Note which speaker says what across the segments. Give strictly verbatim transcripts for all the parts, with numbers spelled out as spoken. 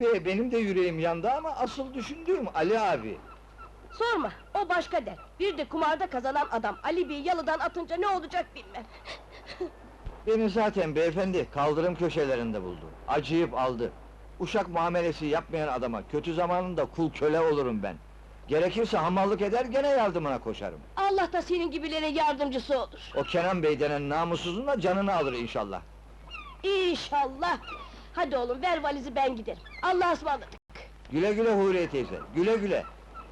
Speaker 1: He, benim de yüreğim yandı ama asıl düşündüğüm Ali abi.
Speaker 2: Sorma, o başka der. Bir de kumarda kazanan adam Ali Bey'i yalıdan atınca ne olacak bilmem.
Speaker 1: Beni zaten beyefendi kaldırım köşelerinde buldu. Acıyıp aldı. Uşak muamelesi yapmayan adama kötü zamanında kul köle olurum ben. Gerekirse hamallık eder gene yardımına koşarım.
Speaker 2: Allah da senin gibilere yardımcısı olur.
Speaker 1: O Kenan Bey denen namussuzun da canını alır inşallah.
Speaker 2: İnşallah! Hadi oğlum, ver valizi ben giderim. Allah'a ısmarladık!
Speaker 1: Güle güle Huriye teyze, güle güle!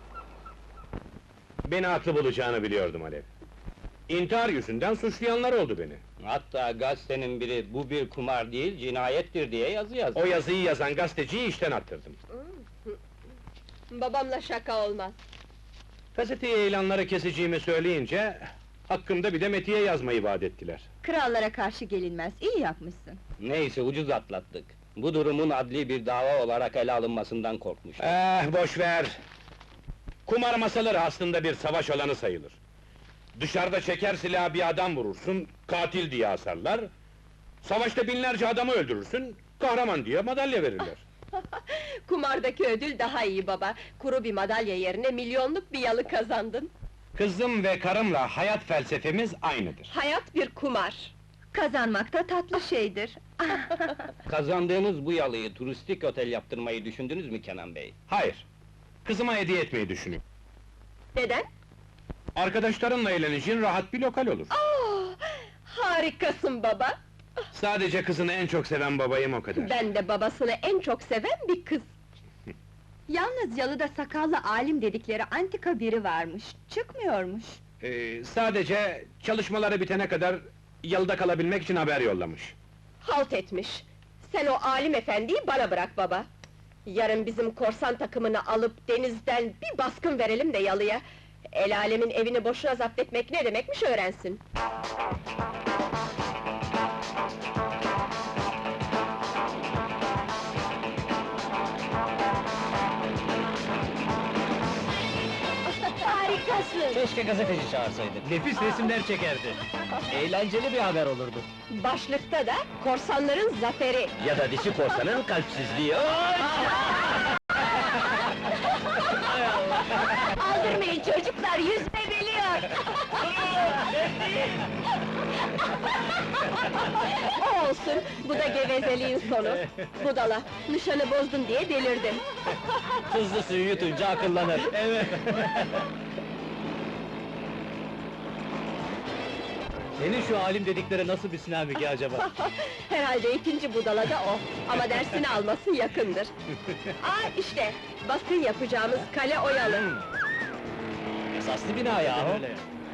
Speaker 3: Beni haklı bulacağını biliyordum Alev. İntihar yüzünden suçlayanlar oldu beni.
Speaker 4: Hatta gazetenin biri, bu bir kumar değil, cinayettir diye yazı yazdı.
Speaker 3: O yazıyı yazan gazeteciyi işten attırdım.
Speaker 2: Babamla şaka olmaz.
Speaker 3: Gazeteye ilanları keseceğimi söyleyince... ...hakkımda bir de metiye yazmayı vaat ettiler.
Speaker 5: Krallara karşı gelinmez, iyi yapmışsın.
Speaker 4: Neyse, ucuz atlattık. Bu durumun adli bir dava olarak ele alınmasından korkmuştum.
Speaker 3: Eh, boş ver! Kumar masaları aslında bir savaş alanı sayılır. Dışarıda çeker silahı bir adam vurursun, katil diye asarlar... ...savaşta binlerce adamı öldürürsün, kahraman diye madalya verirler.
Speaker 2: Kumardaki ödül daha iyi baba. Kuru bir madalya yerine milyonluk bir yalı kazandın.
Speaker 3: Kızım ve karımla hayat felsefemiz aynıdır.
Speaker 2: Hayat bir kumar.
Speaker 5: Kazanmak da tatlı şeydir.
Speaker 4: Kazandığınız bu yalıyı turistik otel yaptırmayı düşündünüz mü Kenan Bey?
Speaker 3: Hayır! Kızıma hediye etmeyi düşünüyorum.
Speaker 2: Neden?
Speaker 3: Arkadaşlarınla eğleneceğin rahat bir lokal olur.
Speaker 2: Aa, harikasın baba!
Speaker 3: Sadece kızını en çok seven babayım o kadar.
Speaker 2: Ben de babasını en çok seven bir kız.
Speaker 5: Yalnız yalıda sakallı alim dedikleri antika biri varmış, çıkmıyormuş.
Speaker 3: Ee, sadece çalışmaları bitene kadar... ...yalıda kalabilmek için haber yollamış.
Speaker 2: Halt etmiş! Sen o alim efendiyi bana bırak baba! Yarın bizim korsan takımını alıp denizden bir baskın verelim de yalıya... ...el alemin evini boşuna zapt etmek ne demekmiş öğrensin! Harikasın!
Speaker 6: Keşke gazeteci çağırsaydık. Nefis resimler çekerdi. Eğlenceli bir haber olurdu.
Speaker 2: Başlıkta da korsanların zaferi!
Speaker 6: Ya da dişi korsanın kalpsizliği.
Speaker 2: Aldırmayın çocuklar, yüzme biliyor! O olsun, bu da gevezeliğin sonu. Budala, nişanı bozdun diye delirdim.
Speaker 6: Tuzlu suyu yutunca akıllanır. Evet. Senin şu alim dedikleri nasıl bir sinamiki acaba?
Speaker 2: Herhalde ikinci budala da o, ama dersini alması yakındır. Aa işte, baskın yapacağımız kale oyalı.
Speaker 6: Esaslı bina yahu. Öyle.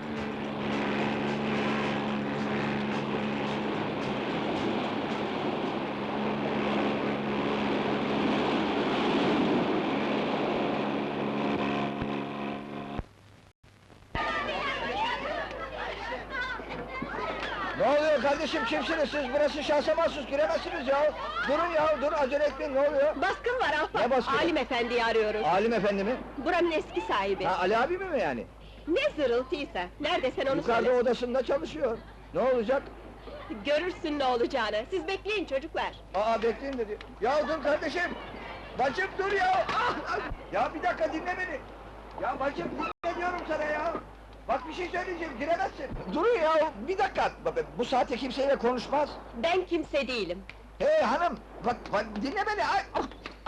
Speaker 1: Ne oluyor kardeşim, kimsiniz siz? Burası şahsa mahsus, giremezsiniz ya! Durun ya, dur, acele etmeyin, ne oluyor?
Speaker 2: Baskın var ahbap,
Speaker 1: Ne baskını?
Speaker 2: alim efendiyi arıyoruz.
Speaker 1: Alim efendi mi?
Speaker 2: Buranın eski sahibi.
Speaker 1: Ha, Ali abi mi mi yani?
Speaker 2: Ne zırıltıysa, nerede sen onu
Speaker 1: Yukarıda
Speaker 2: söyle.
Speaker 1: odasında çalışıyor. Ne olacak?
Speaker 2: Görürsün ne olacağını, siz bekleyin çocuklar.
Speaker 1: Aa, bekleyin dedi. Ya dur kardeşim! Bacım dur ya! Ah, ah! Ya bir dakika dinle beni! Ya bacım dinle diyorum sana ya! Bak bir şey söyleyeceğim, giremezsin! Durun ya, bir dakika! Bu saatte kimseyle konuşmaz!
Speaker 2: Ben kimse değilim.
Speaker 1: Hey hanım! Bak, bak dinle beni! Ay, ah, ah!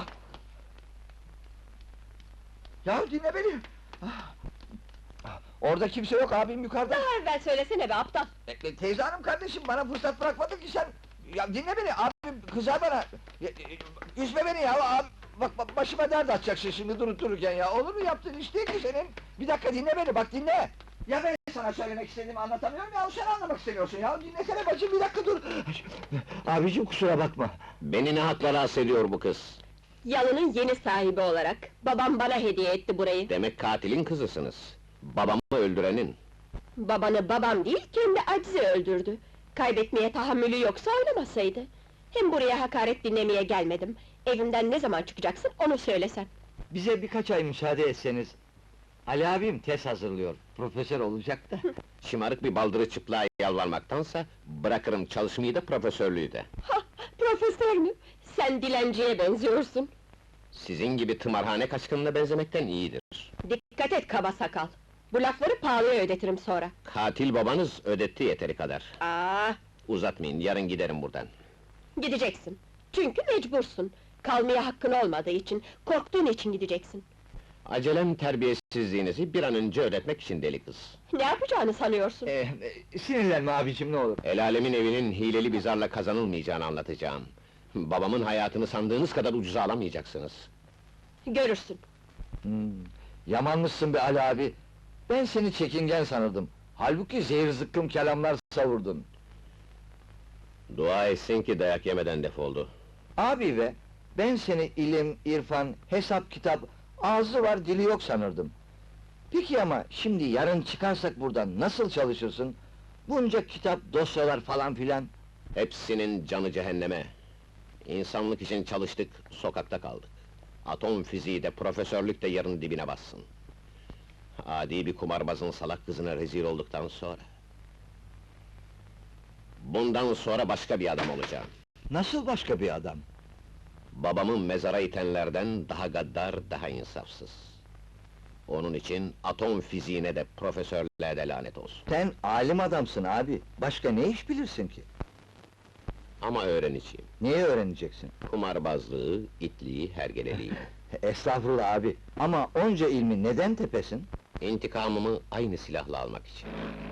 Speaker 1: Ya dinle beni! Ah! Ah, orada kimse yok, abim yukarıda!
Speaker 2: Daha evvel söylesene be aptal!
Speaker 1: E, teyze hanım kardeşim, bana fırsat bırakmadın ki sen! Ya dinle beni, abim kızar bana! Ya, e, üzme beni ya, abi! Bak, bak başıma dert açacaksın şimdi durup dururken ya, olur mu yaptığın iş değil ki senin? Bir dakika dinle beni, bak dinle! Ya ben sana söylemek istediğimi anlatamıyorum ya, sen anlamak istemiyorsun ya, dinlesene bacım, bir dakika dur! Abicim kusura bakma!
Speaker 4: Beni ne hakla rahatsız ediyor bu kız?
Speaker 2: Yalının yeni sahibi olarak, babam bana hediye etti burayı.
Speaker 4: Demek katilin kızısınız. Babamı öldürenin.
Speaker 2: Babanı babam değil, kendi acizi öldürdü. Kaybetmeye tahammülü yoksa oynamasaydı. Hem buraya hakaret dinlemeye gelmedim. Evimden ne zaman çıkacaksın, onu söylesen.
Speaker 1: Bize birkaç ay müsaade etseniz... Ali abim tez hazırlıyor, profesör olacak da.
Speaker 4: Şımarık bir baldırı çıplığa yalvarmaktansa... ...bırakırım çalışmayı da profesörlüğü de.
Speaker 2: Ha, profesör mü? Sen dilenciye benziyorsun.
Speaker 7: Sizin gibi tımarhane kaçkınına benzemekten iyidir.
Speaker 2: Dikkat et kaba sakal! Bu lafları pahalıya ödetirim sonra.
Speaker 7: Katil babanız ödetti yeteri kadar.
Speaker 2: Aa,
Speaker 7: Uzatmayın, yarın giderim buradan.
Speaker 2: gideceksin. Çünkü mecbursun. Kalmaya hakkın olmadığı için, korktuğun için gideceksin.
Speaker 7: Acelem terbiyesizliğinizi bir an önce ödetmek için deli kız.
Speaker 2: Ne yapacağını sanıyorsun?
Speaker 1: Ee, e, sinirlenme abicim ne olur.
Speaker 7: El alemin evinin hileli bir zarla kazanılmayacağını anlatacağım. Babamın hayatını sandığınız kadar ucuza alamayacaksınız.
Speaker 2: Görürsün.
Speaker 1: Hmm, yamanmışsın be Ali abi. Ben seni çekingen sanırdım. Halbuki zehir zıkkım kelamlar savurdun.
Speaker 7: Dua etsin ki dayak yemeden defoldu.
Speaker 1: Abi be, ben seni ilim, irfan, hesap, kitap, ağzı var dili yok sanırdım. Peki ama şimdi yarın çıkarsak buradan nasıl çalışırsın? Bunca kitap, dosyalar falan filan.
Speaker 7: Hepsinin canı cehenneme. İnsanlık için çalıştık, sokakta kaldık. Atom fiziği de, profesörlük de yarın dibine bassın. Adi bir kumarbazın salak kızına rezil olduktan sonra... Bundan sonra başka bir adam olacağım.
Speaker 1: Nasıl başka bir adam?
Speaker 7: Babamı mezara itenlerden daha gaddar, daha insafsız. Onun için atom fiziğine de, profesörlüğe de lanet olsun.
Speaker 1: Sen alim adamsın abi, başka ne iş bilirsin ki?
Speaker 7: Ama öğreneceğim.
Speaker 1: Neyi öğreneceksin?
Speaker 7: Kumarbazlığı, itliği, hergeleliği.
Speaker 1: Estağfurullah abi, ama onca ilmi neden tepesin?
Speaker 7: İntikamımı aynı silahla almak için.